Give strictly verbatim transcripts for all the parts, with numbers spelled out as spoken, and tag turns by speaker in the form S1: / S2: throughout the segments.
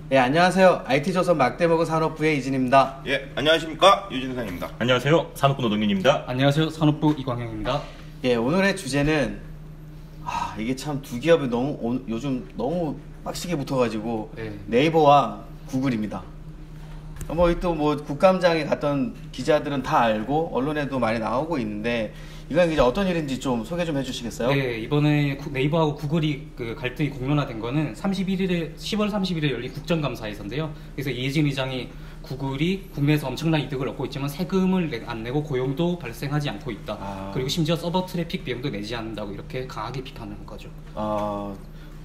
S1: 예, 안녕하세요. 아이티조선 막대먹은 산업부의 이진입니다.
S2: 예, 안녕하십니까, 유진상입니다.
S3: 안녕하세요. 산업부 노동윤입니다.
S4: 안녕하세요. 산업부 이광영입니다.
S1: 예, 오늘의 주제는 아, 이게 참 두 기업이 너무 오, 요즘 너무 빡시게 붙어가지고
S4: 네.
S1: 네이버와 구글입니다. 뭐 또 뭐 국감장에 갔던 기자들은 다 알고 언론에도 많이 나오고 있는데 이건 이제 어떤 일인지 좀 소개 좀 해주시겠어요?
S4: 네, 이번에 구- 네이버하고 구글이 그 갈등이 공론화된 거는 삼십일일에 시월 삼십일에 열린 국정감사에서인데요. 그래서 이해진 의장이 구글이 국내에서 엄청난 이득을 얻고 있지만 세금을 내, 안 내고 고용도 발생하지 않고 있다.
S1: 아.
S4: 그리고 심지어 서버 트래픽 비용도 내지 않는다고 이렇게 강하게 비판하는 거죠.
S1: 아,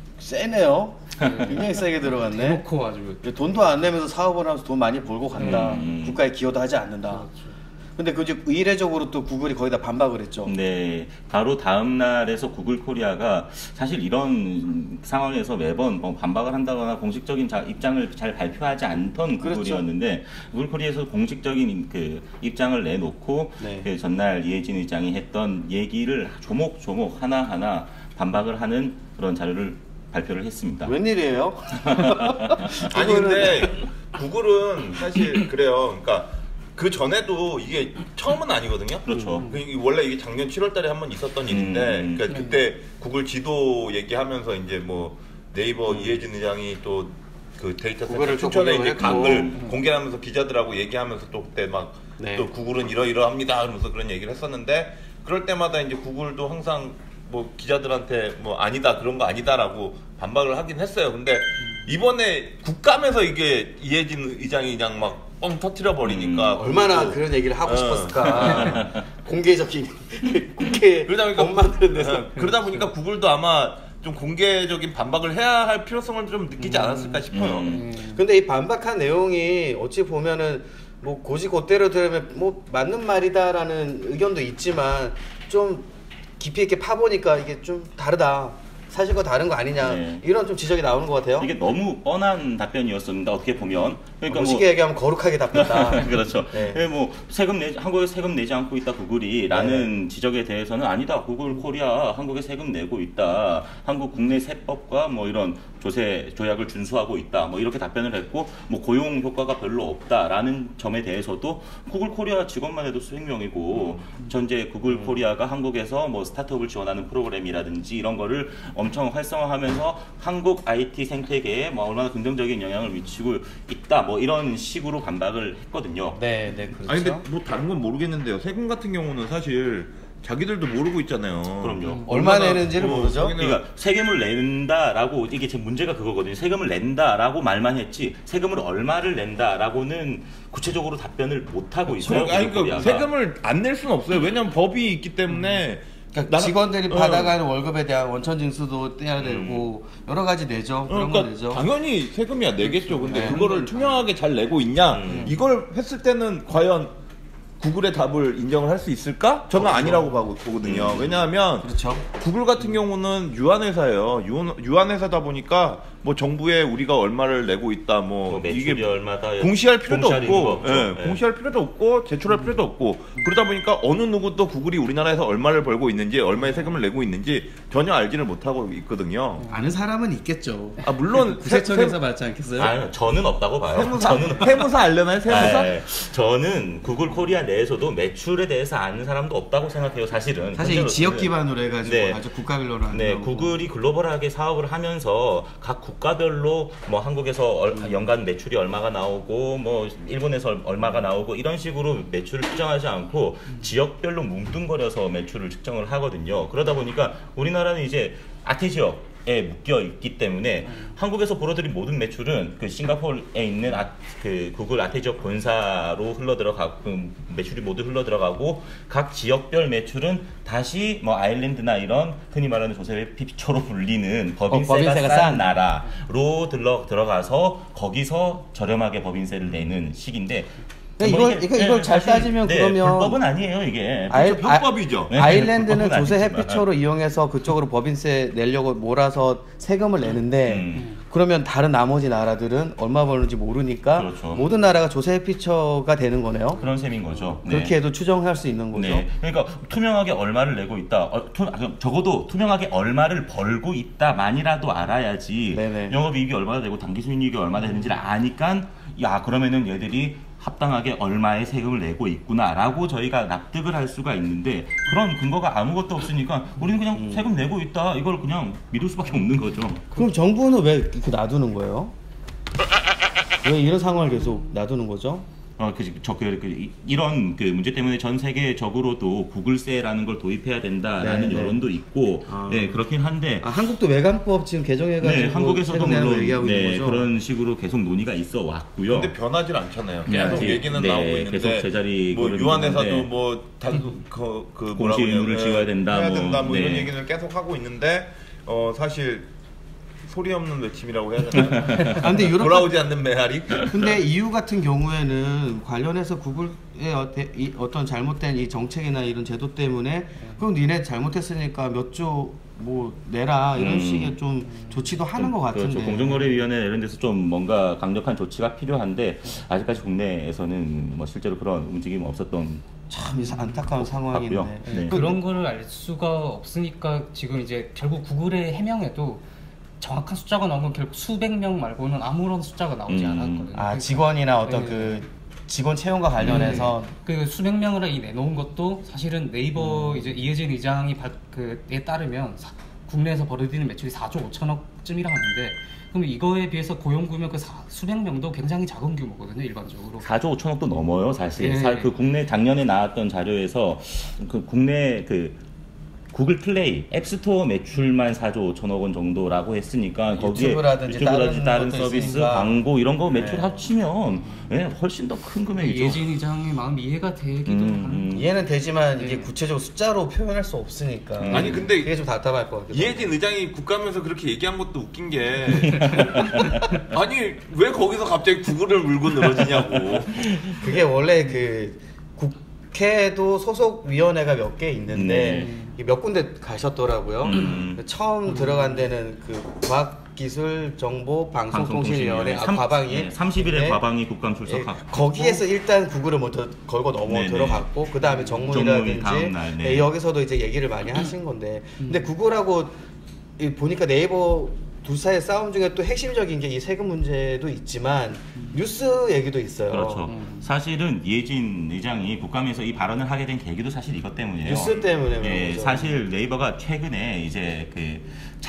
S1: 세네요. 굉장히 세게 들어갔네.
S4: 대놓고 아주.
S1: 돈도 안 내면서 사업을 하면서 돈 많이 벌고 간다.
S3: 음.
S1: 국가에 기여도 하지 않는다.
S4: 그렇죠.
S1: 근데 그 이제 의례적으로 또 구글이 거기다 반박을 했죠.
S3: 네, 바로 다음 날에서 구글 코리아가 사실 이런 상황에서 매번 뭐 반박을 한다거나 공식적인 자, 입장을 잘 발표하지 않던
S1: 그렇죠.
S3: 구글이었는데 구글 코리아에서 공식적인 그 입장을 내놓고
S1: 네.
S3: 그 전날 이해진 의장이 했던 얘기를 조목조목 하나하나 반박을 하는 그런 자료를 발표를 했습니다.
S1: 웬일이에요?
S2: 아니, 근데 구글은 사실 그래요. 그러니까 그 전에도 이게 처음은 아니거든요.
S3: 그렇죠.
S2: 그 이- 원래 이게 작년 칠월 달에 한 번 있었던 일인데,
S3: 음.
S2: 그러니까 그때 구글 지도 얘기하면서 이제 뭐 네이버 이해진 의장이 또 그 데이터 센터
S1: 구글을 또
S2: 춘천에 이제
S1: 공격을
S2: 각을
S1: 했고.
S2: 공개하면서 기자들하고 얘기하면서 또 그때 막 또
S1: 네.
S2: 구글은 이러이러합니다 그러면서 그런 얘기를 했었는데, 그럴 때마다 이제 구글도 항상 뭐 기자들한테 뭐 아니다 그런 거 아니다라고 반박을 하긴 했어요. 근데 이번에 국감에서 이게 이해진 의장이 그냥 막 뻥 터트려 버리니까
S3: 음,
S1: 얼마나 그런 얘기를 하고
S2: 어.
S1: 싶었을까. 공개적인 국회
S2: 그러다 보니까
S1: 법 만드는 데서.
S2: 어, 그러다 보니까 구글도 아마 좀 공개적인 반박을 해야 할 필요성을 좀 느끼지 않았을까 싶어요.
S3: 음.
S1: 근데 이 반박한 내용이 어찌 보면은 뭐 고지고대로 들으면 뭐 맞는 말이다라는 의견도 있지만 좀 깊이 있게 파보니까 이게 좀 다르다. 사실과 다른 거 아니냐.
S3: 네.
S1: 이런 좀 지적이 나오는 것 같아요.
S3: 이게 너무 뻔한 답변이었습니다. 어떻게 보면. 그러니까 뭐
S1: 쉽게 얘기하면 거룩하게 답했다.
S3: 그렇죠.
S1: 네.
S3: 예, 뭐 세금 내 한국에 세금 내지 않고 있다 구글이라는 지적에 대해서는 아니다. 구글 코리아 한국에 세금 내고 있다. 한국 국내 세법과 뭐 이런 조세 조약을 준수하고 있다. 뭐 이렇게 답변을 했고 뭐 고용 효과가 별로 없다라는 점에 대해서도 구글 코리아 직원만 해도 수백 명이고 전제 구글 코리아가 한국에서 뭐 스타트업을 지원하는 프로그램이라든지 이런 거를 엄청 활성화하면서 한국 아이티 생태계에 뭐 얼마나 긍정적인 영향을 미치고 있다. 뭐 이런 식으로 반박을 했거든요.
S1: 네, 네, 그렇죠.
S2: 아니 근데 뭐 다른 건 모르겠는데요. 세금 같은 경우는 사실 자기들도 모르고 있잖아요.
S3: 그럼요.
S1: 얼마
S2: 얼마나-
S1: 내는지를
S2: 어,
S1: 모르죠.
S2: 자기는-
S3: 그러니까 세금을 낸다라고 이게 제 문제가 그거거든요. 세금을 낸다라고 말만 했지 세금을 얼마를 낸다라고는 구체적으로 답변을 못 하고 있어요.
S2: 아니
S3: 구글
S2: 그러니까
S3: 코리아가.
S2: 세금을 안 낼 수는 없어요. 왜냐면 법이 있기 때문에.
S1: 그러니까
S2: 나는-
S1: 직원들이
S2: 어.
S1: 받아가는 월급에 대한 원천 징수도 떼야 되고 여러 가지 내죠. 그런 거
S2: 그러니까
S1: 내죠.
S2: 당연히 세금이야 내겠죠. 근데
S1: 네.
S2: 그거를 투명하게 잘 내고 있냐?
S3: 음.
S2: 이걸 했을 때는 과연 구글의 답을 인정을 할 수 있을까? 저는 아니라고 봐- 보거든요.
S3: 음.
S2: 왜냐하면
S1: 그렇죠.
S2: 구글 같은 경우는 유한회사예요. 유한, 유한회사다 보니까 뭐 정부에 우리가 얼마를 내고 있다, 뭐,
S3: 뭐 매출이
S2: 이게
S3: 얼마다
S2: 공시할 필요도
S3: 공시할 이유가
S2: 없고,
S3: 없죠.
S2: 예,
S3: 예.
S2: 공시할 필요도 없고, 제출할 필요도 없고, 그러다 보니까 어느 누구도 구글이 우리나라에서 얼마를 벌고 있는지, 얼마의 세금을 내고 있는지 전혀 알지를 못하고 있거든요.
S1: 아는 사람은 있겠죠.
S2: 아, 물론
S1: 구세청에서 받지 않겠어요?
S3: 아, 저는 없다고 봐요.
S2: 세무사,
S3: 저는
S2: 세무사 알려나요? 세무사?
S3: 아, 예. 저는 구글 코리아 내에서도 매출에 대해서 아는 사람도 없다고 생각해요. 사실은.
S1: 사실 이
S3: 현재로서는.
S1: 지역 기반으로 해가지고
S3: 네.
S1: 아주 국가별로 하는
S3: 네,
S1: 거고.
S3: 구글이 글로벌하게 사업을 하면서 각 국가별로 뭐 한국에서 얼- 연간 매출이 얼마가 나오고 뭐 일본에서 얼마가 나오고 이런 식으로 매출을 측정하지 않고 지역별로 뭉뚱거려서 매출을 측정을 하거든요. 그러다 보니까 우리나라는 이제 아태 지역에 묶여 있기 때문에 한국에서 벌어들인 모든 매출은 그 싱가포르에 있는 아, 그 구글 아태 지역 본사로 흘러 들어가고 그 매출이 모두 흘러 들어가고 각 지역별 매출은 다시 뭐 아일랜드나 이런 흔히 말하는 조세 피처로 불리는 법인세가,
S1: 어, 법인세가
S3: 싼
S1: 싼.
S3: 나라로 들러 들어가서 거기서 저렴하게 법인세를 내는 식인데
S1: 근데
S3: 뭐
S1: 이걸- 이거- 이걸 잘
S3: 사실,
S1: 따지면
S3: 네,
S1: 그러면
S3: 불법은 아니에요 이게.
S1: 아이-
S2: 그렇죠, 편법이죠.
S3: 네,
S1: 아일랜드는
S3: 그건
S1: 조세
S3: 아니지만.
S1: 햇빛초로 이용해서 그쪽으로 법인세 내려고 몰아서 세금을 내는데
S3: 음.
S1: 그러면 다른 나머지 나라들은 얼마 버는지 모르니까
S3: 그렇죠.
S1: 모든 나라가 조세 피처가 되는 거네요.
S3: 그런 셈인 거죠. 네.
S1: 그렇게 해도 추정할 수 있는 거죠.
S3: 네. 그러니까 투명하게 얼마를 내고 있다. 어, 투, 적어도 투명하게 얼마를 벌고 있다만이라도 알아야지.
S1: 네네.
S3: 영업이익이 얼마나 되고 당기순이익이 얼마나 되는지를 아니까 야 그러면은 얘들이 합당하게 얼마의 세금을 내고 있구나라고 저희가 납득을 할 수가 있는데 그런 근거가 아무것도 없으니까 우리는 그냥
S1: 음.
S3: 세금 내고 있다 이걸 그냥 믿을 수밖에 없는 거죠.
S1: 그럼 정부는 왜 이렇게 놔두는 거예요? 왜 이런 상황을 계속 놔두는 거죠?
S3: 어, 그, 저, 그, 그, 이런 그 문제 때문에 전 세계적으로도 구글세라는 걸 도입해야 된다라는
S1: 네, 네.
S3: 여론도 있고,
S1: 아.
S3: 네, 그렇긴 한데,
S1: 아, 한국도 외관법 지금 개정해가지고
S3: 네, 한국에서도
S1: 세금 내는 거
S3: 물론
S1: 얘기하고
S3: 네,
S1: 있는 거죠?
S3: 그런 식으로 계속 논의가 있어 왔고요.
S2: 근데 변하질 않잖아요.
S3: 네,
S2: 계속
S3: 아직,
S2: 얘기는
S3: 네,
S2: 나오고 있는데
S3: 계속 제자리
S2: 뭐
S3: 걸음이
S2: 유한회사도
S3: 있는데.
S2: 뭐다그 그
S3: 공시 의무를 지어야 된다,
S2: 해야
S3: 뭐,
S2: 된다 뭐 이런
S3: 네.
S2: 얘기를 계속 하고 있는데 어 사실 소리 없는 외침이라고 해야 되나?
S1: 아, 근데 유럽
S2: 돌아오지 않는 메아리?
S1: 근데 이유 같은 경우에는 관련해서 구글의 어, 대, 이, 어떤 잘못된 이 정책이나 이런 제도 때문에 그럼 니네 잘못했으니까 몇 조 뭐 내라 이런
S3: 음.
S1: 식의 좀 조치도 하는 것 같은데.
S3: 그렇죠. 공정거래위원회 이런 데서 좀 뭔가 강력한 조치가 필요한데 아직까지 국내에서는 뭐 실제로 그런 움직임이 없었던
S1: 참 이상- 안타까운 상황인데.
S3: 같고요. 네.
S4: 그런 거를 알 수가 없으니까 지금 이제 결국 구글의 해명에도 정확한 숫자가 나온 건 결국 수백 명 말고는 아무런 숫자가 나오지
S3: 음.
S4: 않았거든요.
S1: 아 직원이나 어떤
S4: 네.
S1: 그 직원 채용과 관련해서
S4: 그 수백 명을 이 내놓은 것도 사실은 네이버 이제 이해진 의장이 발, 그에 따르면 사, 국내에서 벌어들이는 매출이 사조 오천억쯤이라 하는데 그럼 이거에 비해서 고용 규모 그 사, 수백 명도 굉장히 작은 규모거든요 일반적으로.
S3: 사조 오천억도 넘어요 사실.
S4: 네.
S3: 사- 그 국내 작년에 나왔던 자료에서 그 국내 그 구글 플레이 앱스토어 매출만 사조 오천억 원 정도라고 했으니까 거기에
S1: 유튜브라든지
S3: 유튜브라든지 다른,
S1: 다른
S3: 서비스,
S1: 것도 있으니까.
S3: 광고 이런 거 매출
S1: 네.
S3: 합치면 예, 훨씬 더 큰 금액이죠.
S4: 이해진 의장의 마음 이해가 되기도
S3: 음,
S4: 하는.
S3: 음.
S1: 이해는 되지만
S4: 네.
S1: 이게 구체적으로 숫자로 표현할 수 없으니까.
S3: 음.
S2: 아니 근데
S1: 그게 좀 답답할 것 같아요.
S2: 이혜진 의장이 국감에서 그렇게 얘기한 것도 웃긴 게 아니 왜 거기서 갑자기 구글을 물고 늘어지냐고.
S1: 그게 원래 그 국회도 소속 위원회가 몇 개 있는데
S3: 네.
S1: 이게 몇 군데 가셨더라고요.
S3: 음.
S1: 처음 들어간 데는 그 과학기술정보방송통신위원회 아, 과방위
S3: 네, 삼십 일에
S1: 네.
S3: 과방위 국감
S1: 예,
S3: 출석하고
S1: 거기에서 일단 구글을 먼저 걸고 넘어
S3: 네네.
S1: 들어갔고 그 다음에
S3: 정무위
S1: 정무위라든지
S3: 다음 날, 네.
S1: 예, 여기서도 이제 얘기를 많이 하신 건데 근데 구글하고 이 보니까 네이버 두 사이의 싸움 중에 또 핵심적인 게 이 세금 문제도 있지만 뉴스 얘기도 있어요.
S3: 그렇죠.
S4: 음.
S3: 사실은 이해진 의장이 국감에서 이 발언을 하게 된 계기도 사실 이것 때문이에요.
S1: 뉴스 때문에 그런
S3: 예,
S1: 거죠.
S3: 사실 네이버가 최근에 이제 그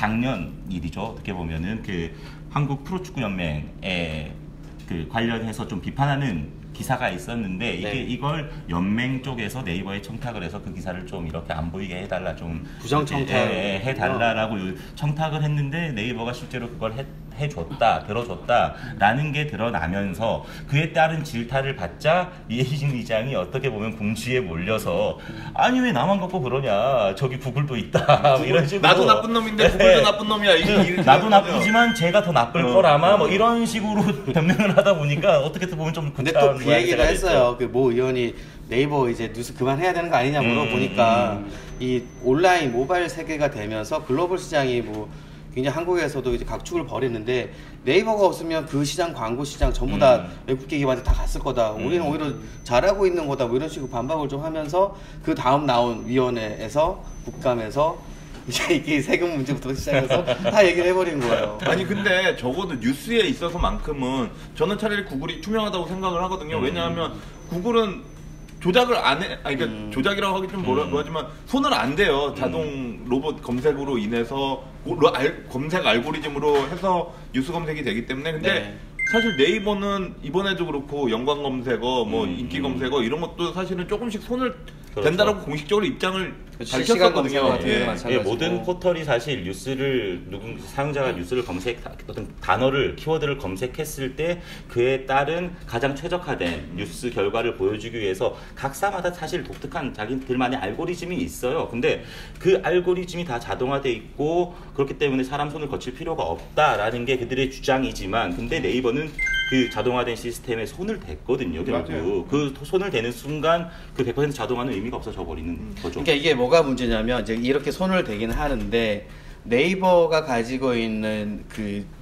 S3: 작년 일이죠. 어떻게 보면은 그 한국 프로축구 연맹에 그 관련해서 좀 비판하는 기사가 있었는데 이게
S1: 네.
S3: 이걸 연맹 쪽에서 네이버에 청탁을 해서 그 기사를 좀 이렇게 안 보이게 해달라 좀
S1: 부정 청탁.
S3: 예, 예, 해달라라고 청탁을 했는데 네이버가 실제로 그걸 해, 해줬다 들어줬다라는 게 드러나면서 그에 따른 질타를 받자 이해진 의장이 어떻게 보면 궁지에 몰려서 아니 왜 나만 갖고 그러냐 저기 구글도 있다 뭐 이런 식으로
S2: 나도 나쁜 놈인데 구글도 나쁜 놈이야. 이게 이렇게
S3: 나도
S2: 되는 거죠.
S3: 나쁘지만 제가 더 나쁠
S2: 어,
S3: 거라마
S2: 어.
S3: 뭐 이런 식으로 변명을 하다 보니까 어떻게 보면 좀
S1: 근데
S3: 구차한
S1: 또 그
S3: 모양새가
S1: 얘기를
S3: 됐죠.
S1: 했어요. 그 모 의원이 네이버 이제 뉴스 그만해야 되는 거 아니냐
S3: 음,
S1: 물어보니까
S3: 음.
S1: 이 온라인 모바일 세계가 되면서 글로벌 시장이 뭐 굉장히 한국에서도 이제 각축을 벌이는데 네이버가 없으면 그 시장 광고 시장 전부 다
S3: 음.
S1: 외국계 기반한테 다 갔을 거다. 우리는
S3: 음.
S1: 오히려 잘하고 있는 거다. 뭐 이런 식으로 반박을 좀 하면서 그 다음 나온 위원회에서 국감에서 이제 이게 세금 문제부터 시작해서 다 얘기를 해버린 거예요.
S2: 아니 근데 적어도 뉴스에 있어서만큼은 저는 차라리 구글이 투명하다고 생각을 하거든요.
S3: 음.
S2: 왜냐하면 구글은 조작을 안 해, 아니 그러니까
S1: 음.
S2: 조작이라고 하기 좀 뭐라
S3: 음.
S2: 하지만 손을 안 대요. 자동 로봇 검색으로 인해서 고- 로- 알- 검색 알고리즘으로 해서 뉴스 검색이 되기 때문에 근데
S1: 네.
S2: 사실 네이버는 이번에도 그렇고 연관 검색어, 뭐
S3: 음.
S2: 인기 검색어 이런 것도 사실은 조금씩 손을
S3: 그렇죠.
S2: 댄다라고 공식적으로 입장을
S1: 그렇죠. 실시간 검색어
S2: 밝혔었거든요.
S1: 같은 게
S2: 예.
S1: 마찬가지고.
S3: 예, 모든 포털이 사실 뉴스를 누군 사용자가 뉴스를 검색 어떤 단어를 키워드를 검색했을 때 그에 따른 가장 최적화된 뉴스 결과를 보여주기 위해서 각사마다 사실 독특한 자기들만의 알고리즘이 있어요. 근데 그 알고리즘이 다 자동화돼 있고 그렇기 때문에 사람 손을 거칠 필요가 없다라는 게 그들의 주장이지만 근데 네이버는 그 자동화된 시스템에 손을 댔거든요. 결국
S2: 맞아요.
S3: 그 손을 대는 순간 그 백 퍼센트 자동화는 의미가 없어져 버리는 거죠.
S1: 그러니까 이게 뭐가 문제냐면 이제 이렇게 손을 대긴 하는데 네이버가 가지고 있는 그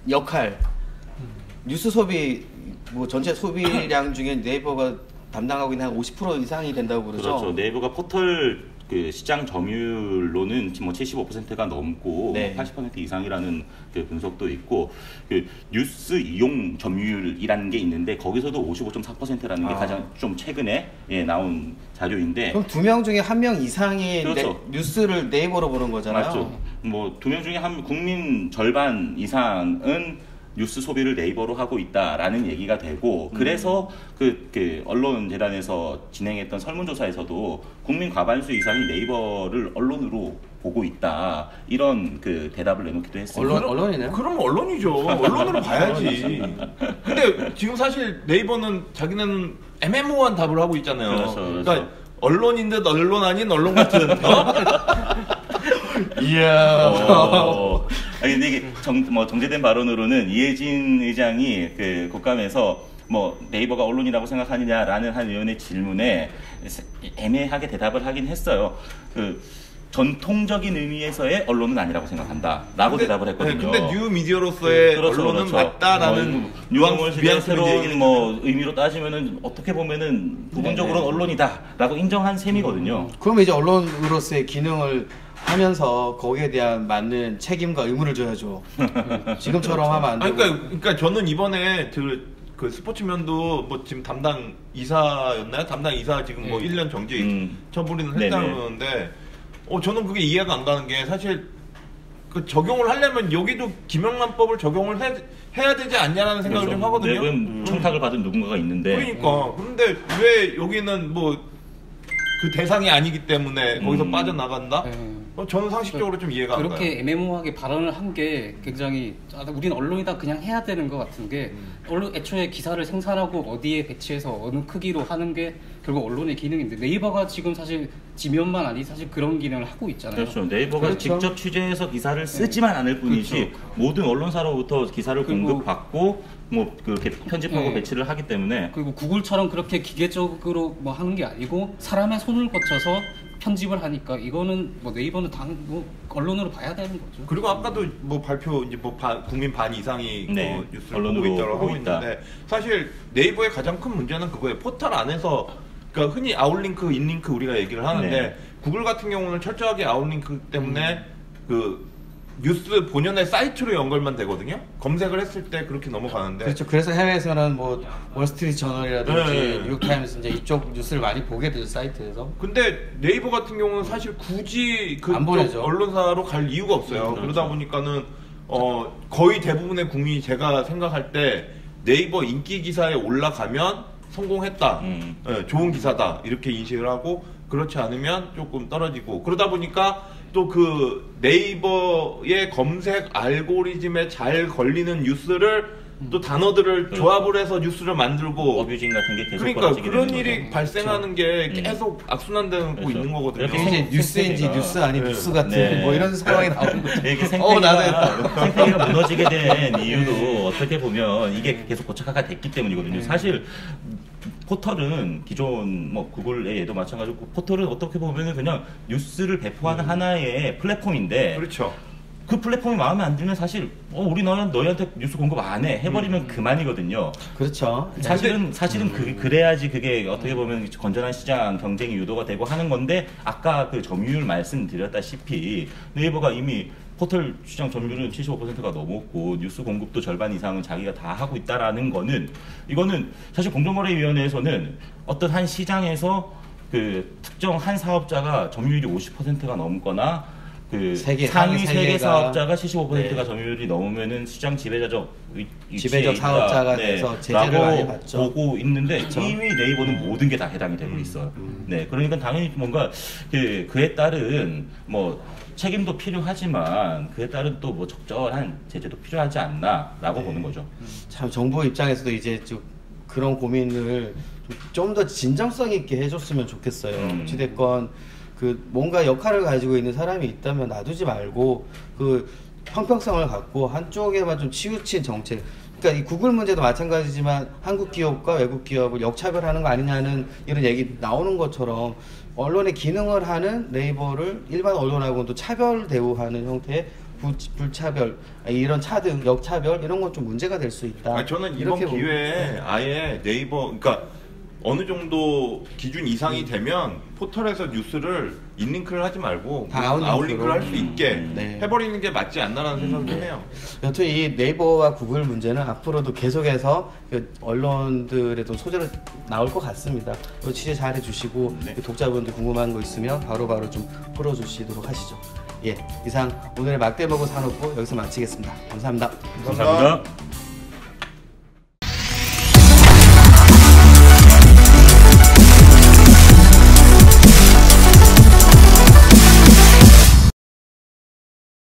S1: 역할, 뉴스 소비 뭐 전체 소비량 중에 네이버가 담당하고 있는 한 오십 퍼센트 이상이 된다고 그러죠.
S3: 그렇죠. 네이버가 포털 그 시장 점유율로는 뭐 칠십오 퍼센트가 넘고
S1: 네.
S3: 팔십 퍼센트 이상이라는 그 분석도 있고, 그 뉴스 이용 점유율이라는 게 있는데 거기서도 오십오 점 사 퍼센트라는 게
S1: 아.
S3: 가장 좀 최근에 예, 나온 자료인데.
S1: 그럼 두 명 중에 한 명 이상이
S3: 그렇죠.
S1: 네, 뉴스를 네이버로 보는 거잖아요.
S3: 맞죠. 뭐 두 명 중에 한 국민 절반 이상은 뉴스 소비를 네이버로 하고 있다라는 얘기가 되고, 그래서 그, 그 언론재단에서 진행했던 설문조사에서도 국민 과반수 이상이 네이버를 언론으로 보고 있다, 이런 그 대답을 내놓기도 했습니다.
S1: 언론, 언론이네요.
S2: 그럼 언론이죠. 언론으로 봐야지. 근데 지금 사실 네이버는 자기는 애매모호한 답을 하고 있잖아요.
S3: 그렇죠, 그렇죠.
S2: 그러니까 언론인 듯 언론 아닌 언론 같은. 어? 이야.
S3: 어, 아니 근데 이게 정, 뭐 정제된 발언으로는 이해진 의장이 그 국감에서 뭐 네이버가 언론이라고 생각하느냐라는 한 의원의 질문에 애매하게 대답을 하긴 했어요. 그 전통적인 의미에서의 언론은 아니라고 생각한다라고
S2: 근데,
S3: 대답을 했거든요.
S2: 네, 근데 뉴 미디어로서의
S3: 그렇죠,
S2: 언론은
S3: 그렇죠.
S2: 맞다라는
S3: 뭐, 뉘앙스를
S2: 뉘앙스를
S3: 새로운
S2: 얘기를
S3: 뭐 의미로 따지면은 어떻게 보면은 부분적으로는
S1: 네네.
S3: 언론이다라고 인정한 셈이거든요.
S1: 그럼 이제 언론으로서의 기능을 하면서 거기에 대한 맞는 책임과 의무를 져야죠. 지금처럼 하면 안
S2: 아니,
S1: 되고.
S2: 그러니까, 그러니까 저는 이번에 그, 그 스포츠면도 뭐 지금 담당 이사였나요? 담당 이사 지금 뭐
S4: 네.
S2: 일 년 정지
S3: 음.
S2: 처분을
S3: 네네.
S2: 했다고 그러는데, 어 저는 그게 이해가 안 가는 게, 사실 그 적용을 하려면 여기도 김영란법을 적용을 해, 해야 되지 않냐라는 생각을
S3: 그래서
S2: 좀 하거든요.
S3: 매번
S2: 음.
S3: 청탁을 받은 누군가가 있는데.
S2: 그러니까 그런데 왜 여기는 뭐 그 대상이 아니기 때문에 거기서
S3: 음.
S2: 빠져나간다?
S4: 네.
S2: 어, 저는 상식적으로 좀 이해가 안 가요.
S4: 그렇게 애매모호하게 발언을 한 게 굉장히 아, 우린 언론이다 그냥 해야 되는 것 같은 게, 언론 애초에 기사를 생산하고 어디에 배치해서 어느 크기로 하는 게 결국 언론의 기능인데, 네이버가 지금 사실 지면만 아니 사실 그런 기능을 하고 있잖아요.
S3: 그렇죠. 네이버가
S1: 그렇죠.
S3: 직접 취재해서 기사를 쓰지만 않을 뿐이지
S4: 그렇죠.
S3: 모든 언론사로부터 기사를
S4: 그리고-
S3: 공급받고 뭐 그렇게 편집하고
S4: 네.
S3: 배치를 하기 때문에.
S4: 그리고 구글처럼 그렇게 기계적으로 뭐 하는 게 아니고 사람의 손을 거쳐서 편집을 하니까 이거는 뭐 네이버는 당 뭐 언론으로 봐야 되는 거죠.
S2: 그리고 아까도 뭐 발표 이제 뭐 반- 국민 반 이상이
S3: 네,
S2: 뭐 뉴스를
S3: 언론으로
S2: 보고 있다고 하고
S3: 보고 있다.
S2: 있는데, 사실 네이버의 가장 큰 문제는 그거예요. 포털 안에서, 그러니까 흔히 아웃링크, 인링크 우리가 얘기를 하는데,
S3: 네.
S2: 구글 같은 경우는 철저하게 아웃링크 때문에 그 뉴스 본연의 사이트로 연결만 되거든요. 검색을 했을 때 그렇게 넘어가는데.
S1: 그렇죠. 그래서 해외에서는 뭐 월스트리트 저널이라든지
S2: 네.
S1: 뉴욕타임스 이제 이쪽 뉴스를 많이 보게 되죠, 사이트에서.
S2: 근데 네이버 같은 경우는 사실 굳이
S1: 안
S2: 그쪽
S1: 보내죠.
S2: 언론사로 갈 이유가 없어요.
S3: 음, 그렇죠.
S2: 그러다 보니까는 어 거의 대부분의 국민이 제가 생각할 때 네이버 인기 기사에 올라가면 성공했다,
S3: 음.
S2: 예, 좋은 기사다 이렇게 인식을 하고, 그렇지 않으면 조금 떨어지고, 그러다 보니까 또 그 네이버의 검색 알고리즘에 잘 걸리는 뉴스를 또 단어들을 조합을 해서 뉴스를 만들고,
S3: 어뷰징 같은 게 계속
S2: 그러니까
S3: 벌어지게
S2: 그런
S3: 되는
S2: 일이
S3: 거죠.
S2: 발생하는 게
S3: 음.
S2: 계속 악순환되고
S3: 그렇죠.
S2: 있는 거거든요.
S3: 이렇게
S1: 이게
S3: 생-
S1: 이제 뉴스인지
S3: 생태계가-
S1: 뉴스 아닌
S2: 네.
S1: 뉴스 같은
S3: 네.
S1: 뭐 이런 상황이 나오는 거죠.
S3: 이게
S1: 어,
S3: 생태계가,
S1: 나는
S3: 생태계가 무너지게 된 이유도 어떻게 보면 이게 계속 고착화가 됐기 때문이거든요. 사실 포털은 기존 뭐 구글의 예도 마찬가지고, 포털은 어떻게 보면 그냥 뉴스를 배포하는 하나의 플랫폼인데,
S2: 그렇죠.
S3: 그 플랫폼이 마음에 안 들면 사실 어 우리 너희 너희한테 뉴스 공급 안 해 해버리면 그만이거든요.
S1: 그렇죠.
S3: 사실은 사실은 그 그래야지 그게 어떻게 보면 건전한 시장 경쟁이 유도가 되고 하는 건데, 아까 그 점유율 말씀드렸다시피 네이버가 이미 포털 시장 점유율은 칠십오 퍼센트가 넘었고 뉴스 공급도 절반 이상은 자기가 다 하고 있다라는 거는, 이거는 사실 공정거래위원회에서는 어떤 한 시장에서 그 특정 한 사업자가 점유율이 오십 퍼센트가 넘거나 그
S1: 세계,
S3: 상위
S1: 상위
S3: 세 개
S1: 세 개가
S3: 사업자가 칠십오 퍼센트가
S1: 네.
S3: 점유율이 넘으면은 시장 지배자적 위- 위치에
S1: 지배적
S3: 있다.
S1: 사업자가 돼서 제재를
S3: 라고
S1: 많이 받죠.
S3: 보고 있는데,
S1: 그쵸.
S3: 이미 네이버는 모든 게 다 해당이 되고 있어요. 네, 그러니까 당연히 뭔가 그 그에 따른 뭐 책임도 필요하지만 그에 따른 또 뭐 적절한 제재도 필요하지 않나라고
S1: 네.
S3: 보는 거죠.
S1: 참 정부 입장에서도 이제 좀 그런 고민을 좀 더 진정성 있게 해줬으면 좋겠어요.
S3: 음.
S1: 어찌됐건 그 뭔가 역할을 가지고 있는 사람이 있다면 놔두지 말고 그 형평성을 갖고 한쪽에만 좀 치우친 정책. 그러니까 이 구글 문제도 마찬가지지만 한국 기업과 외국 기업을 역차별하는 거 아니냐는 이런 얘기 나오는 것처럼 언론의 기능을 하는 네이버를 일반 언론하고는 또 차별 대우하는 형태의 부, 불차별 이런 차등 역차별 이런 건 좀 문제가 될 수 있다.
S2: 아니, 저는 이번
S1: 이렇게 보면-
S2: 기회에 아예 네이버 그러니까 어느 정도 기준 이상이 되면 포털에서 뉴스를 인링크를 하지 말고
S1: 다 아웃링크로.
S2: 아웃링크를 할 수 있게
S1: 네.
S2: 해버리는 게 맞지 않나라는 생각도 해요.
S1: 여튼 이 네이버와 구글 문제는 앞으로도 계속해서 그 언론들에도 소재로 나올 것 같습니다. 또 취재 잘 해주시고
S2: 네.
S1: 독자분들 궁금한 거 있으면 바로바로 좀 풀어주시도록 하시죠. 예, 이상 오늘의 막대먹은 산업부 여기서 마치겠습니다. 감사합니다.
S3: 감사합니다.